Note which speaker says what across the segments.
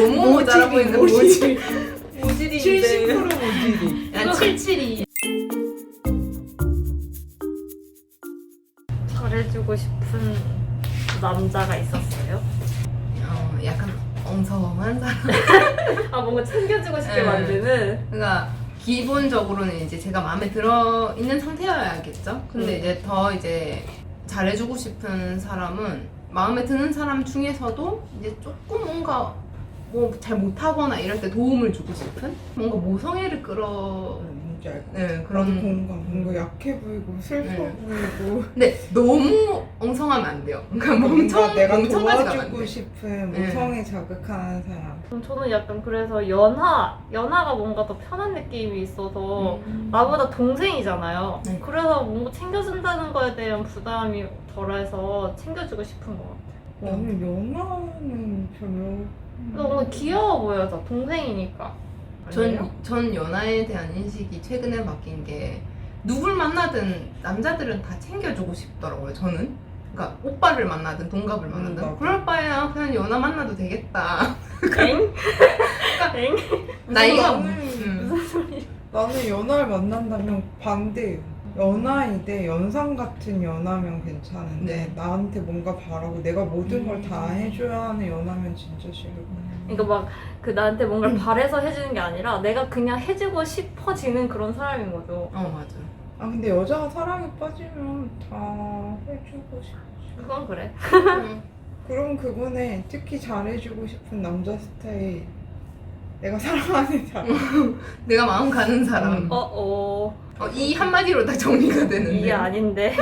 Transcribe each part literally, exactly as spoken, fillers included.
Speaker 1: 너무 모자라 보이는 모질.
Speaker 2: 모질인데.
Speaker 1: 칠십 퍼센트 모질이.
Speaker 2: 야, 칠십칠이. 잘해주고 싶은 남자가 있었어요?
Speaker 1: 어, 약간 엉성한 사람.
Speaker 2: 아, 뭔가 챙겨주고 싶게
Speaker 1: 네.
Speaker 2: 만드는?
Speaker 1: 그러니까 기본적으로는 이제 제가 마음에 들어 있는 상태여야겠죠. 근데
Speaker 2: 음.
Speaker 1: 이제 더 이제 잘해주고 싶은 사람은 마음에 드는 사람 중에서도 이제 조금 뭔가 뭐 잘 못하거나 이럴 때 도움을 주고 싶은 뭔가 모성애를 끌어
Speaker 3: 뭔지 알고.
Speaker 1: 네,
Speaker 3: 그런
Speaker 1: 그런
Speaker 3: 공감. 뭔가 약해 보이고 슬퍼
Speaker 1: 네.
Speaker 3: 보이고.
Speaker 1: 근데 너무 엉성하면 안 돼요. 그러니까
Speaker 3: 뭔가
Speaker 1: 멍청
Speaker 3: 내가
Speaker 1: 멍청하지가 않아요.
Speaker 3: 도와주고 싶은
Speaker 1: 네.
Speaker 3: 모성애 자극하는 사람.
Speaker 2: 음, 저는 약간 그래서 연하, 연하가 뭔가 더 편한 느낌이 있어서 나보다 동생이잖아요.
Speaker 1: 네.
Speaker 2: 그래서 뭔가 챙겨준다는 거에 대한 부담이 덜해서 챙겨주고 싶은 것 같아요.
Speaker 3: 나는 연하는 별로.
Speaker 2: 그래서 뭔가 귀여워 보여서 동생이니까. 아니에요?
Speaker 1: 전, 전 연하에 대한 인식이 최근에 바뀐 게 누굴 만나든 남자들은 다 챙겨주고 싶더라고요. 저는. 그러니까 오빠를 만나든 동갑을
Speaker 3: 음,
Speaker 1: 만나든
Speaker 3: 나도.
Speaker 1: 그럴 바에야 그냥 연하 만나도 되겠다.
Speaker 2: 엥? 엥?
Speaker 1: 나이가
Speaker 3: 나는,
Speaker 1: 음.
Speaker 2: 무슨 소리?
Speaker 3: 나는 연하를 만난다면 반대예요. 연하인데 연상 같은 연하면 괜찮은데
Speaker 1: 네.
Speaker 3: 나한테 뭔가 바라고 내가 모든 걸 다
Speaker 1: 음.
Speaker 3: 해줘야 하는 연하면 진짜 싫어.
Speaker 2: 그러니까 막 그 나한테 뭔가를 바래서 해주는 게 아니라 내가 그냥 해주고 싶어지는 그런 사람인 거죠.
Speaker 1: 어 맞아.
Speaker 3: 아 근데 여자가 사랑에 빠지면 다 해주고 싶지.
Speaker 2: 그건 그래.
Speaker 1: 음.
Speaker 3: 그럼 그거네. 특히 잘해주고 싶은 남자 스타일. 내가 사랑하는 사람.
Speaker 1: 내가 마음 가는 사람.
Speaker 3: 음.
Speaker 2: 어, 어.
Speaker 1: 어, 이 한마디로 다 정리가 되는데.
Speaker 2: 이게 아닌데.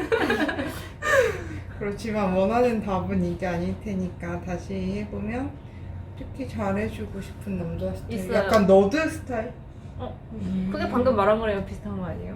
Speaker 3: 그렇지만 원하는 답은 이게 아닐 테니까 다시 해보면 특히 잘해주고 싶은 남자 스타일.
Speaker 2: 있어요.
Speaker 3: 약간 너드 스타일?
Speaker 1: 음.
Speaker 2: 그게 방금 말한 거랑 비슷한 거 아니에요?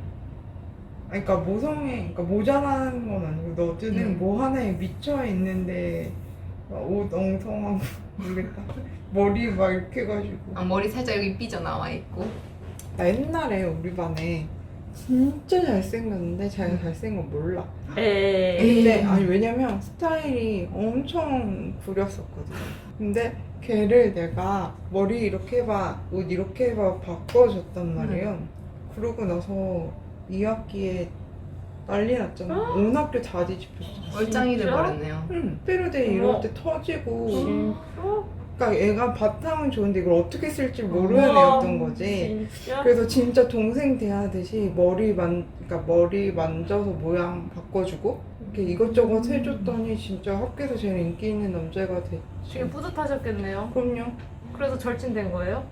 Speaker 3: 아니, 그러니까 모성애, 그러니까 모자라는 건 아니고 너드는
Speaker 1: 음.
Speaker 3: 뭐 하나에 미쳐 있는데 막 옷 엉성하고 모르겠다. 머리 막 이렇게 해가지고.
Speaker 1: 아, 머리 살짝 여기 삐져나와 있고.
Speaker 3: 나 옛날에 우리 반에 진짜 잘생겼는데 자기가 잘생긴 건 몰라.
Speaker 2: 에이.
Speaker 3: 근데 아니 왜냐면 스타일이 엄청 구렸었거든. 근데 걔를 내가 머리 이렇게 해봐, 옷 이렇게 해봐 바꿔줬단 말이에요. 그러고 나서 이 학기에 난리 났잖아. 온 학교 다 뒤집혔잖아.
Speaker 1: 얼짱이
Speaker 2: 진짜?
Speaker 1: 돼버렸네요.
Speaker 3: 응. 스페르데이
Speaker 2: 어머.
Speaker 3: 이럴 때 터지고.
Speaker 2: 진짜?
Speaker 3: 그러니까 얘가 바탕은 좋은데 이걸 어떻게 쓸지 모르는
Speaker 2: 우와,
Speaker 3: 애였던 거지.
Speaker 2: 진짜?
Speaker 3: 그래서 진짜 동생 대하듯이 머리 만, 그러니까 머리 만져서 모양 바꿔주고 이렇게 이것저것 해줬더니 진짜 학교에서 제일 인기 있는 남자가
Speaker 2: 되게
Speaker 3: 됐지.
Speaker 2: 뿌듯하셨겠네요.
Speaker 3: 그럼요.
Speaker 2: 그래서 절친된 거예요?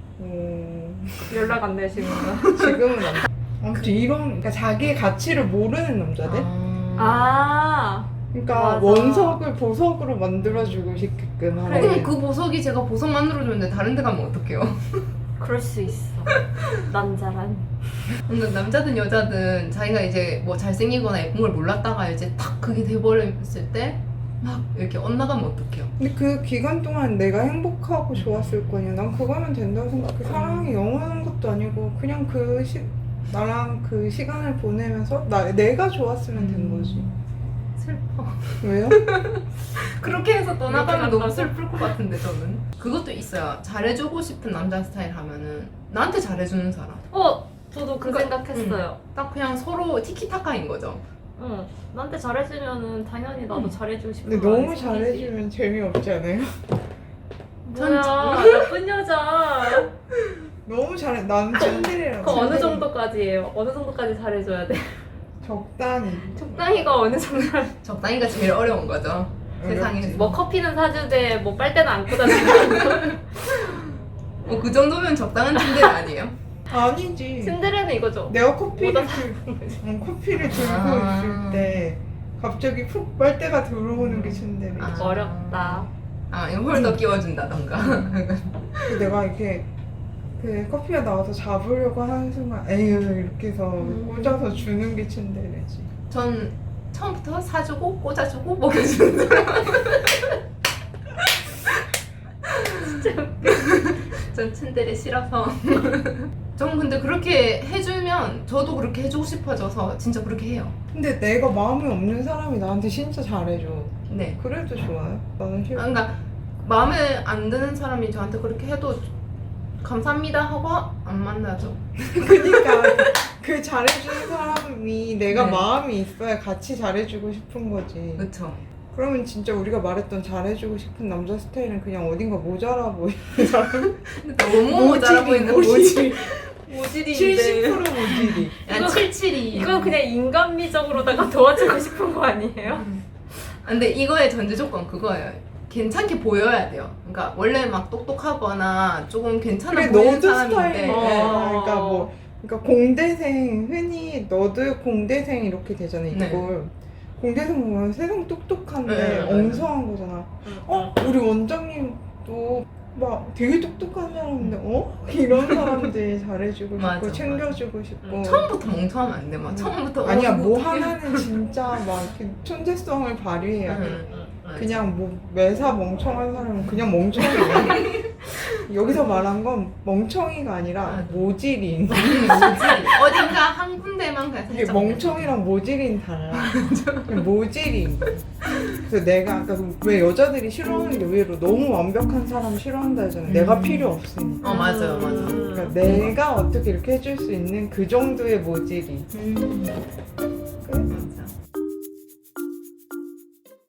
Speaker 3: 어,
Speaker 2: 연락 안 되시면서.
Speaker 3: 지금은 안. 아무튼 이런, 그러니까 자기의 가치를 모르는 남자들.
Speaker 1: 아.
Speaker 2: 아.
Speaker 3: 그러니까
Speaker 2: 맞아.
Speaker 3: 원석을 보석으로 만들어주고 싶게끔
Speaker 1: 어,
Speaker 3: 하는.
Speaker 1: 그럼 그 보석이 제가 보석 만들어줬는데 다른 데 가면 어떡해요?
Speaker 2: 그럴 수 있어. 남자란.
Speaker 1: 근데 남자든 여자든 자기가 이제 뭐 잘생기거나 예쁜 걸 몰랐다가 이제 딱 그게 돼버렸을 때 막 이렇게 엇나가면 어떡해요?
Speaker 3: 근데 그 기간 동안 내가 행복하고 좋았을 거냐. 난 그거면 된다고 생각해. 사랑이 영원한 것도 아니고 그냥 그 시, 나랑 그 시간을 보내면서 나, 내가 좋았으면 된 거지.
Speaker 1: 슬퍼.
Speaker 3: 왜요?
Speaker 1: 그렇게 해서 떠나가면
Speaker 2: 그렇게
Speaker 1: 너무
Speaker 2: 간다고?
Speaker 1: 슬플 것 같은데 저는. 그것도 있어요. 잘해주고 싶은 남자 스타일 하면은 나한테 잘해주는 사람.
Speaker 2: 어, 저도 그
Speaker 1: 그러니까,
Speaker 2: 생각했어요.
Speaker 1: 딱 그냥 서로 티키타카인 거죠.
Speaker 2: 응. 나한테 잘해주면은 당연히 나도
Speaker 3: 음.
Speaker 2: 잘해주고 싶은
Speaker 3: 근데
Speaker 2: 마음이
Speaker 3: 너무
Speaker 2: 생기지.
Speaker 3: 잘해주면 재미없지 않아요?
Speaker 2: 뭐야, 나쁜 여자.
Speaker 3: 너무 잘해. 나는 츤데레라고.
Speaker 2: 그 어느 정도까지예요? 어느 정도까지 잘해줘야 돼?
Speaker 3: 적당히.
Speaker 2: 적당히가 어느 정도?
Speaker 1: 적당히가 제일 어려운 거죠. 세상에서.
Speaker 2: 뭐 커피는 사주되 뭐 빨대는 안 꽂아주고.
Speaker 1: 뭐 그 정도면 적당한 츤데레 아니에요?
Speaker 3: 아니지.
Speaker 2: 신데레는 이거죠.
Speaker 3: 내가 커피를
Speaker 2: 뭐다
Speaker 3: 들, 응, 커피를 들고
Speaker 1: 아.
Speaker 3: 있을 때 갑자기 푹 빨대가 들어오는 게 츤데레.
Speaker 1: 아.
Speaker 2: 어렵다.
Speaker 1: 아, 이거 홀더 끼워준다던가.
Speaker 3: 그 내가 이렇게 그 커피가 나와서 잡으려고 하는 순간 에휴 이렇게 해서
Speaker 2: 음.
Speaker 3: 꽂아서 주는 게 츤데레지.
Speaker 1: 전 처음부터 사주고 꽂아주고 먹여주는 사람.
Speaker 2: 진짜.
Speaker 1: 전 츤데레 싫어서. 전 근데 그렇게 해주면 저도 그렇게 해주고 싶어져서 진짜 그렇게 해요.
Speaker 3: 근데 내가 마음이 없는 사람이 나한테 진짜 잘해줘.
Speaker 1: 네.
Speaker 3: 그래도 좋아요? 나는
Speaker 1: 아,
Speaker 3: 싫어.
Speaker 1: 그러니까 마음에 안 드는 사람이 저한테 그렇게 해도 감사합니다 하고 안 만나죠.
Speaker 3: 그니까 그 잘해주는 사람이 내가
Speaker 1: 네.
Speaker 3: 마음이 있어야 같이 잘해주고 싶은 거지.
Speaker 1: 그쵸.
Speaker 3: 그러면 진짜 우리가 말했던 잘해주고 싶은 남자 스타일은 그냥 어딘가 모자라 보이는 사람.
Speaker 1: 너무 모자라 보이는 모질.
Speaker 2: 모질인데.
Speaker 3: 칠십 퍼센트 모질이.
Speaker 1: 야, 칠칠이.
Speaker 2: 이건 그냥 인간미적으로다가 도와주고 싶은 거 아니에요?
Speaker 1: 아, 근데 이거의 전제 조건 그거예요. 괜찮게 보여야 돼요. 그러니까 원래 막 똑똑하거나 조금 괜찮아
Speaker 3: 그래
Speaker 1: 보이는
Speaker 3: 너도
Speaker 1: 사람인데
Speaker 3: 스타일이.
Speaker 2: 어.
Speaker 3: 그러니까 뭐 그러니까 공대생 흔히 너도 공대생 이렇게 되잖아
Speaker 1: 네.
Speaker 3: 이걸. 공대생 보면 세상 똑똑한데
Speaker 1: 네, 네, 네.
Speaker 3: 엉성한 거잖아. 어? 우리 원장님도 막 되게 똑똑한 사람인데 어? 이런 사람들 잘해주고 싶고
Speaker 1: 맞아,
Speaker 3: 챙겨주고 싶고
Speaker 2: 음,
Speaker 1: 처음부터 멍청하면 안 돼. 막
Speaker 2: 음.
Speaker 1: 처음부터
Speaker 3: 아니야
Speaker 1: 어,
Speaker 3: 뭐
Speaker 1: 어떡해.
Speaker 3: 하나는 진짜 막 이렇게 천재성을 발휘해야 돼.
Speaker 1: 응, 응, 맞아.
Speaker 3: 그냥 뭐 매사 멍청한 사람은 그냥 멍청이야. 여기서 말한 건 멍청이가 아니라
Speaker 1: 맞아.
Speaker 3: 모질인.
Speaker 1: 모질. 어딘가 한 군데만 그냥
Speaker 3: 이게
Speaker 1: 살짝
Speaker 3: 멍청이랑 모질인 달라. 그냥 모질인. 그래서 내가 아까 왜 여자들이 싫어하는 게 의외로 너무 완벽한 사람 싫어한다 했잖아.
Speaker 1: 음.
Speaker 3: 내가 필요 없으니까.
Speaker 1: 어 맞아요 맞아.
Speaker 3: 그러니까 내가 어떻게 이렇게 해줄 수 있는 그 정도의 모질이.
Speaker 1: 음.